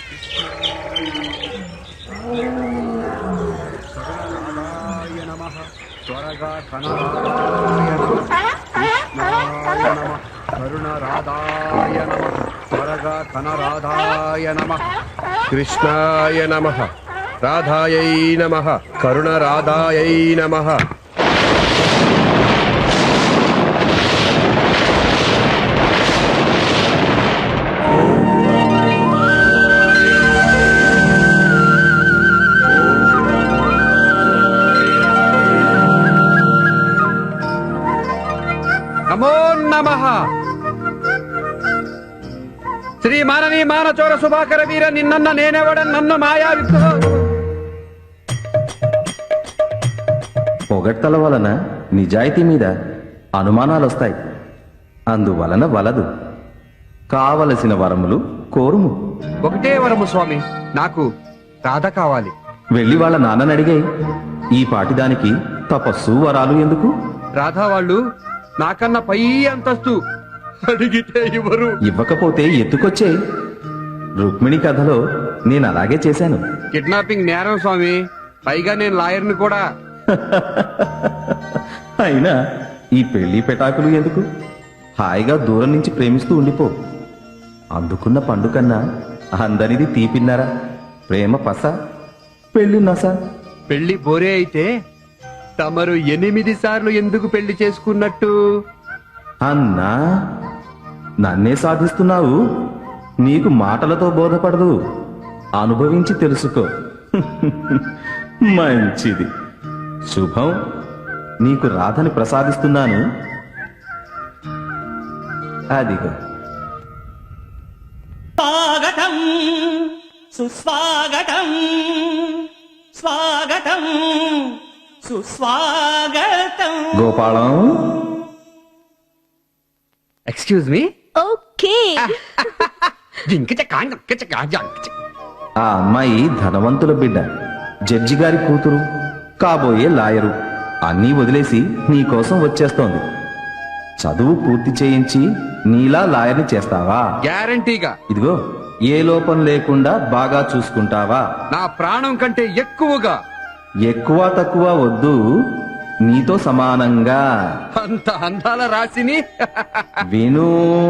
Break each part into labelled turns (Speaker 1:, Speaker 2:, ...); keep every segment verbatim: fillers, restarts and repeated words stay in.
Speaker 1: త్వరగా కనరాయ నమః కరుణ రాధాయ నమః త్వరగా కనరాధాయ నమః కృష్ణాయ నమః రాధాయై నమః కరుణ రాధాయై నమః. నమో నమః. శ్రీ మానవీ మానచోర సుభాకర వీర నిన్నన్న నేనెవడ నన్ను మాయా విగ్రహ.
Speaker 2: పొగడ్తల వలన నిజాయితీ మీద అనుమానాలొస్తాయి. అందువలన వలదు. కావలసిన వరములు కోరుము.
Speaker 1: ఒకటే వరము స్వామి, నాకు రాధ కావాలి.
Speaker 2: వెళ్ళి వాళ్ళ నాన్నని అడిగే. ఈ పాటిదానికి తపస్సు వరాలు ఎందుకు?
Speaker 1: రాధా వాళ్ళు నాకన్నా పై అంతస్తు, అడిగితే ఇవ్వరు.
Speaker 2: ఇవ్వకపోతే ఎత్తుకొచ్చే. రుక్మిణి కథలో నేను అలాగే చేశాను.
Speaker 1: కిడ్నాపింగ్ నేరం స్వామి, పైగా నేను లాయర్ని కూడా.
Speaker 2: అయినా ఈ పెళ్లి పెటాకులు ఎందుకు? హాయిగా దూరం నుంచి ప్రేమిస్తూ ఉండిపో. అందుకున్న పండు కన్నా అందరిది తీపిన్నారా? ప్రేమ పస, పెళ్లి నస.
Speaker 1: పెళ్లి బోరే అయితే తమరు ఎనిమిది సార్లు ఎందుకు పెళ్లి చేసుకున్నట్టు?
Speaker 2: అన్నా, నన్నే సాధిస్తున్నావు. నీకు మాటలతో బోధపడదు, అనుభవించి తెలుసుకో. మంచిది, శుభం. నీకు రాధని ప్రసాదిస్తున్నాను. అదిగో.
Speaker 3: స్వాగతం సుస్వాగతం, స్వాగతం సుస్వాగతం.
Speaker 2: Gopalam,
Speaker 1: excuse me.
Speaker 4: ఓకే.
Speaker 2: ఆ అమ్మాయి ధనవంతుల బిడ్డ, జడ్జి గారి కూతురు, కాబోయే లాయరు. అన్నీ వదిలేసి నీకోసం వచ్చేస్తోంది. చదువు పూర్తి చేయించి నీలా లాయర్ని చేస్తావా?
Speaker 1: గ్యారంటీగా.
Speaker 2: ఇదిగో, ఏ లోపం లేకుండా బాగా చూసుకుంటావా?
Speaker 1: నా ప్రాణం కంటే ఎక్కువగా.
Speaker 2: ఎక్కువ తక్కువ వద్దు, నీతో సమానంగా.
Speaker 1: అంత అందాల రాశిని.
Speaker 2: విను,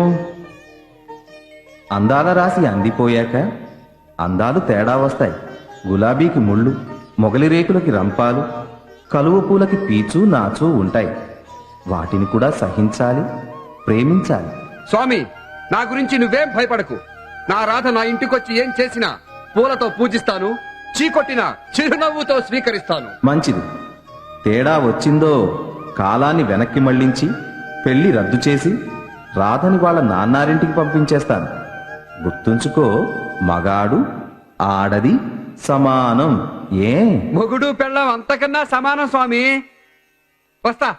Speaker 2: అందాల రాశి అందిపోయాక అందాలు తేడా వస్తాయి. గులాబీకి ముళ్ళు, మొగలి రేకులకి రంపాలు, కలువ పూలకి పీచు నాచు ఉంటాయి. వాటిని కూడా సహించాలి, ప్రేమించాలి.
Speaker 1: స్వామి, నా గురించి నువ్వేం భయపడకు. నా రాధ నా ఇంటికొచ్చి ఏం చేసినా పూలతో పూజిస్తాను, చీకొట్టిన చిరునవ్వుతో స్వీకరిస్తాను.
Speaker 2: మంచిది. తేడా వచ్చిందో కాలాన్ని వెనక్కి మళ్లించి పెళ్లి రద్దు చేసి రాధని వాళ్ళ నాన్నారింటికి పంపించేస్తాను. గుర్తుంచుకో, మగాడు ఆడది సమానం. ఏ
Speaker 1: మొగుడు పెళ్ళం అంతకన్నా సమానం స్వామి. వస్తా.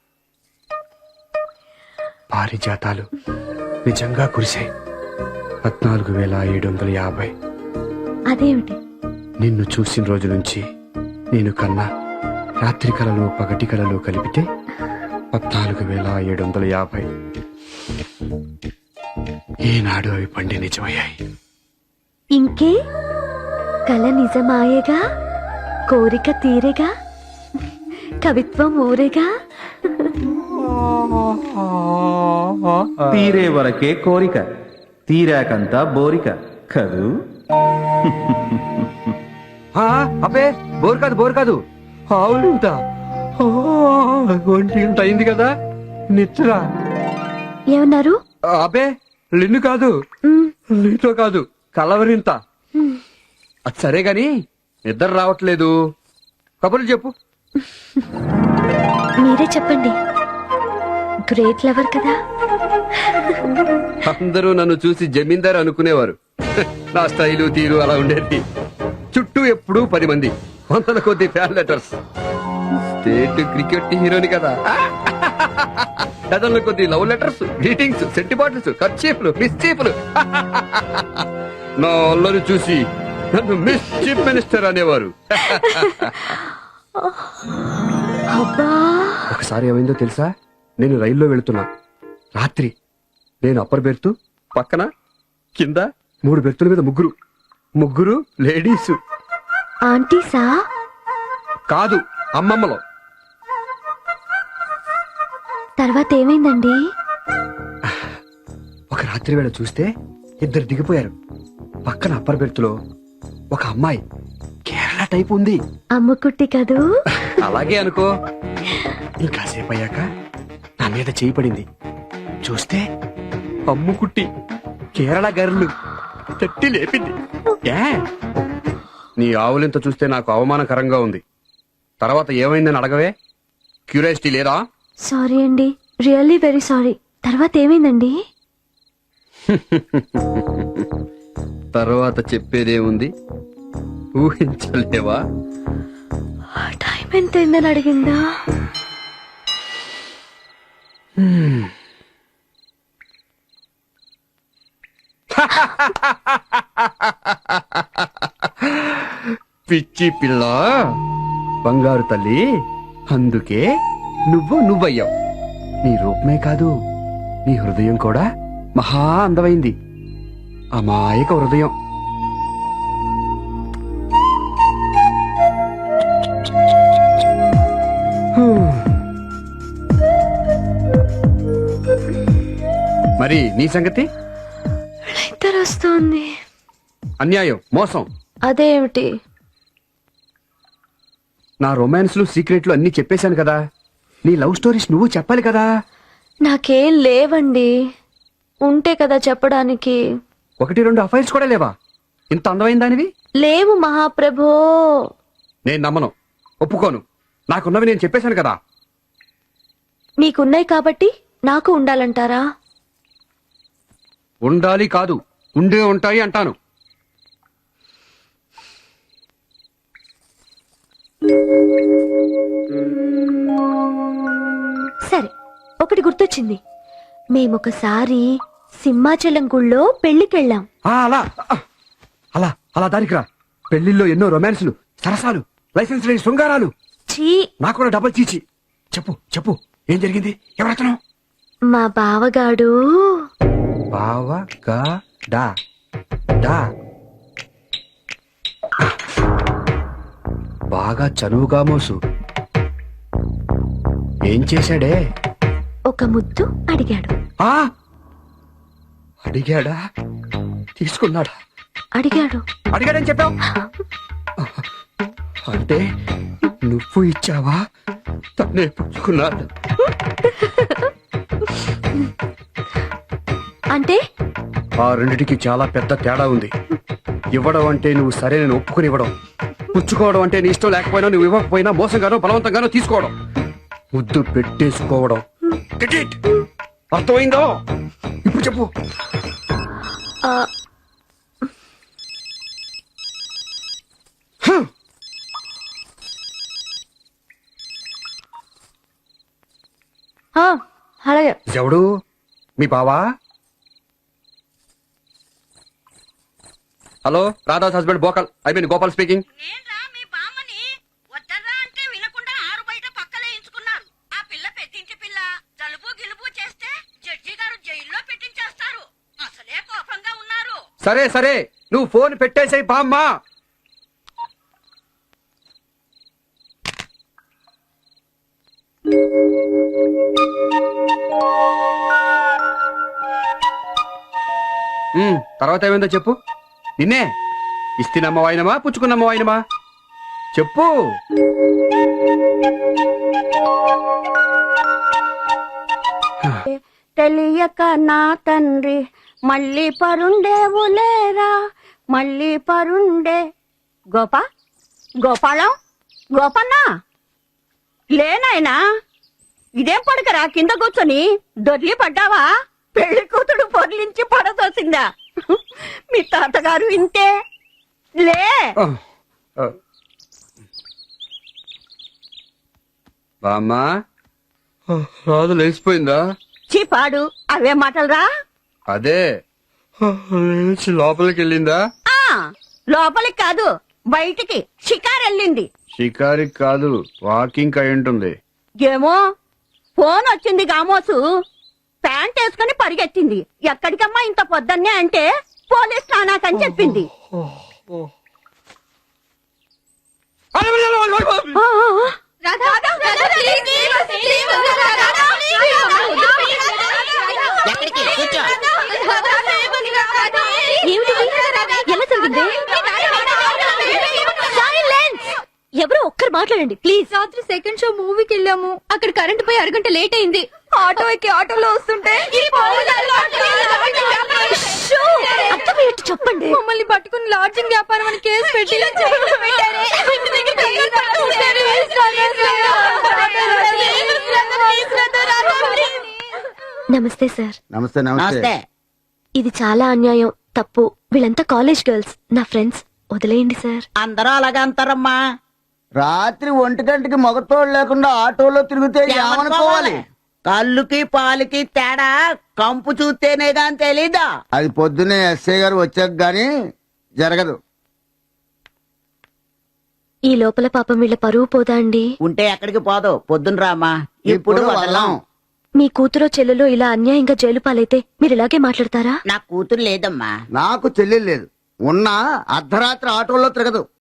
Speaker 1: పారిజాతాలు నిజంగా కురిశాయి. పద్నాలుగు వేల ఏడు వందల యాభై.
Speaker 4: అదేమిటి?
Speaker 1: నిన్ను చూసిన రోజు నుంచి నేను కన్నా రాత్రి కళలు పగటి కళలు కలిపితే పద్నాలుగు వేల ఏడు వందల యాభై. ఏనాడు అవి పండి నిజమయ్యాయి.
Speaker 4: ఇంకే కల నిజమాయేగా, కోరిక తీరేగా, కవిత్వం ఊరేగా.
Speaker 2: తీరే వరకే కోరిక, తీరాకంతా బోరిక కదూ.
Speaker 1: అబ్బే, బోర్ కాదు బోర్ కాదు ఆవులింత. ఒంటి గంట అయింది కదా, నిద్ర.
Speaker 4: ఏమన్నారు?
Speaker 1: అబ్బే, లిన్ను కాదు, నీతో కాదు, కలవరింత. అది సరే గాని నిద్ర రావట్లేదు. కబుర్లు చెప్పు.
Speaker 4: మీరే చెప్పండి, గ్రేట్ లవర్ కదా.
Speaker 1: అందరూ నన్ను చూసి జమీందార్ అనుకునేవారు. నా స్టైలు తీరు అలా ఉండేది. చుట్టూ ఎప్పుడూ పది మంది, వందల కొద్ది ఫ్యాన్ లెటర్స్. స్టేట్ క్రికెట్ హీరోని కదా. డజన్ల కొద్ది love letters, greetings, scent bottles, కర్చీఫ్లు, మిస్చీఫ్లు. నా అల్లరి చూసి నన్ను మిస్ చీఫ్ మినిస్టర్ అనేవారు. ఒకసారి ఏమైందో తెలుసా? నేను రైల్లో వెళుతున్నా. రాత్రి. నేను అప్పర్ బెర్త్, పక్కన కింద మూడు బెర్తుల మీద ముగ్గురు. ముగ్గురు లేడీసు.
Speaker 4: ఆంటీసా?
Speaker 1: కాదు, అమ్మమ్మలో.
Speaker 4: తర్వాత ఏమైందండి?
Speaker 1: ఒక రాత్రి వేళ చూస్తే ఇద్దరు దిగిపోయారు. పక్కన అప్పర్ బెర్త్లో ఒక అమ్మాయి కేరళ టైప్ ఉంది.
Speaker 4: అమ్ముకుట్టి కదూ?
Speaker 1: అలాగే అనుకో. ఇంకాసేపు అయ్యాక నా మీద చేయి పడింది. చూస్తే అమ్ముకుట్టి కేరళ గర్లు తట్టి లేపింది. ఏ? నీ ఆవులింత చూస్తే నాకు అవమానకరంగా ఉంది. తర్వాత ఏమైందని అడగవే? క్యూరియాసిటీ లేదా?
Speaker 4: సారీ అండి, రియల్లీ వెరీ సారీ. తర్వాత ఏమైందండి?
Speaker 1: తర్వాత చెప్పేదేముంది, ఊహించలేవా?
Speaker 4: టైం ఎంత అయిందని అడిగిందా? పిచ్చి పిల్ల, బంగారు తల్లి, అందుకే నువ్వు నువ్వయ్యావు. నీ రూపమే కాదు, నీ హృదయం కూడా మహా అందమైంది. అమాయక హృదయం. మరి నీ సంగతి? ఇద్దరు వస్తోంది.
Speaker 1: అన్యాయం, మోసం.
Speaker 4: అదేమిటి?
Speaker 1: నా రొమాన్స్లు సీక్రెట్లు అన్ని చెప్పేశాను కదా. నీ లవ్ స్టోరీస్ నువ్వు చెప్పాలి కదా.
Speaker 4: నాకేం లేవండి, ఉంటే కదా చెప్పడానికి.
Speaker 1: ఒకటి రెండు అఫైర్స్ కూడా లేవా? ఇంత అందమైన దానివి.
Speaker 4: లేవు మహాప్రభో.
Speaker 1: నేను నమ్మను, ఒప్పుకోను. నాకున్నవి నేను చెప్పేశాను కదా.
Speaker 4: నీకున్నాయి కాబట్టి నాకు ఉండాలంటారా?
Speaker 1: ఉండాలి కాదు, ఉండే ఉంటాయి అంటాను.
Speaker 4: సరే, ఒకటి గుర్తొచ్చింది. మేమొకసారి సింహాచలం గుళ్ళో పెళ్లికెళ్ళాం.
Speaker 1: ఆ, అలా అలా అలా దానికి రా. పెళ్లిల్లో ఎన్నో రొమాన్స్లు, సరసాలు, లైసెన్స్ లేని శృంగారాలు.
Speaker 4: ఛీ,
Speaker 1: నాకు కూడా డబల్ చీచి. చెప్పు చెప్పు, ఏం జరిగింది? ఎవరతను?
Speaker 4: మా బావగాడు.
Speaker 1: బావా గా డా డా బాగా చనువుగా మోసు. ఏం చేశాడే?
Speaker 4: ఒక ముద్దు అడిగాడు.
Speaker 1: ఆ అడిగాడా? తీసుకున్నాడా?
Speaker 4: అడిగాడు.
Speaker 1: అడిగాడని చెప్పావు అంటే నువ్వు ఇచ్చావా? తనే పుచ్చుకున్నాడు
Speaker 4: అంటే?
Speaker 1: ఆ రెండిటికి చాలా పెద్ద తేడా ఉంది. ఇవ్వడం అంటే నువ్వు సరే నేను ఒప్పుకుని ఇవ్వడం, పుచ్చుకోవడం అంటే నీ ఇష్టం లేకపోయినా నువ్వు ఇవ్వకపోయినా మోసంగానో బలవంతంగానో తీసుకోవడం, ముద్దు పెట్టేసుకోవడం. Get it? అర్థమైందో? ఇప్పుడు చెప్పు.
Speaker 4: ఆ,
Speaker 1: హ!
Speaker 4: ఆ, అలాగే.
Speaker 1: ఎవడు? మీ బావా? హలో, రాధాస్ హస్బెండ్ బోకల్. I mean Gopal speaking.
Speaker 3: నేన్రా మీ బామ్మని. వద్దర్రా అంటే వినకుండా ఆరు బయట పక్కలేయించుకున్నారు. ఆ పిల్ల పెట్టించి పిల్ల జలుబు గిలుబు చేస్తే జడ్జి గారు జైల్లో పెట్టించేస్తారు. అసలే కోపంగా ఉన్నారు.
Speaker 1: సరే సరే, నువ్వు ఫోన్ పెట్టేసాయి బామ్మా. ఉమ్, తర్వాత ఏమైందో చెప్పు. నిన్నే ఇస్తినమ్మ వాయినమా పుచ్చుకున్నమ్మ వాయినమా చెప్పు.
Speaker 3: తెలియక నా తండ్రి మళ్ళీ పరుండేవులేరా, మళ్ళీ పరుండే. గోపా గోపాలం గోపన్నా లేనాయనా, ఇదేం పడకరా కింద కూర్చొని దొర్లి పడ్డావా? పెళ్లి కూతుడు పొర్లించి పడదోసిందా? మీ తాతగారు ఇంతే. లే
Speaker 1: ఆ, ఆ. బామ్మా, రాదు లేచిపోయిందా?
Speaker 3: చీపాడు అవే మాటలరా.
Speaker 1: అదే లేచి లోపలికి వెళ్ళిందా?
Speaker 3: ఆ లోపలికి కాదు బయటికి షికారెళ్ళింది.
Speaker 1: షికారికి కాదు, వాకింగ్ అయి ఉంటుంది.
Speaker 3: ఏమో ఫోన్ వచ్చింది గామోసు, ప్యాంట్ వేసుకుని పరిగెత్తింది. ఎక్కడికమ్మా ఇంత పొద్దున్నే అంటే పోలీస్ స్నానాకని చెప్పింది.
Speaker 4: ఎలా జరిగింది? Silence! ఎవరో ఒక్కరు మాట్లాడండి ప్లీజ్.
Speaker 5: రాత్రి సెకండ్ షో మూవీకి వెళ్ళాము. అక్కడ కరెంట్ పోయి అరగంట లేట్ అయింది. ఆటో ఎక్కి ఆటోలో వస్తుంటే
Speaker 4: షో! అర్థమయ్యేట్టు చెప్పండి.
Speaker 5: మమ్మల్ని పట్టుకుని లాడ్జింగ్ వ్యాపారం అని కేసు పెట్టి
Speaker 4: నమస్తే సార్.
Speaker 6: నమస్తే నమస్తే
Speaker 4: ఇది చాలా అన్యాయం, తప్పు. వీళ్ళంతా కాలేజ్ గర్ల్స్, నా ఫ్రెండ్స్. వదిలేయండి సార్.
Speaker 7: అందరూ అలాగే అంటారమ్మా.
Speaker 6: రాత్రి ఒంటి గంటకి మగతోడు లేకుండా ఆటోలో తిరిగితే ఏమనుకోవాలి?
Speaker 7: కళ్ళుకి పాలకి తేడా కంపు చూస్తేనే గాని తెలీదా?
Speaker 6: అది పొద్దున్నే ఎస్ఐ గారు వచ్చాక గాని జరగదు.
Speaker 4: ఈ లోపల పాపం వీళ్ళ పరువు పోదా అండి?
Speaker 7: ఉంటే ఎక్కడికి పోదు, పొద్దున రామా. ఇప్పుడు వదలం.
Speaker 4: మీ కూతురో చెల్లెలో ఇలా అన్యాయంగా జైలు పాలైతే మీరు ఇలాగే మాట్లాడతారా?
Speaker 7: నా కూతురు లేదమ్మా.
Speaker 6: నాకు చెల్లెలు లేదు. ఉన్నా అర్ధరాత్రి ఆటోలో తిరగదు.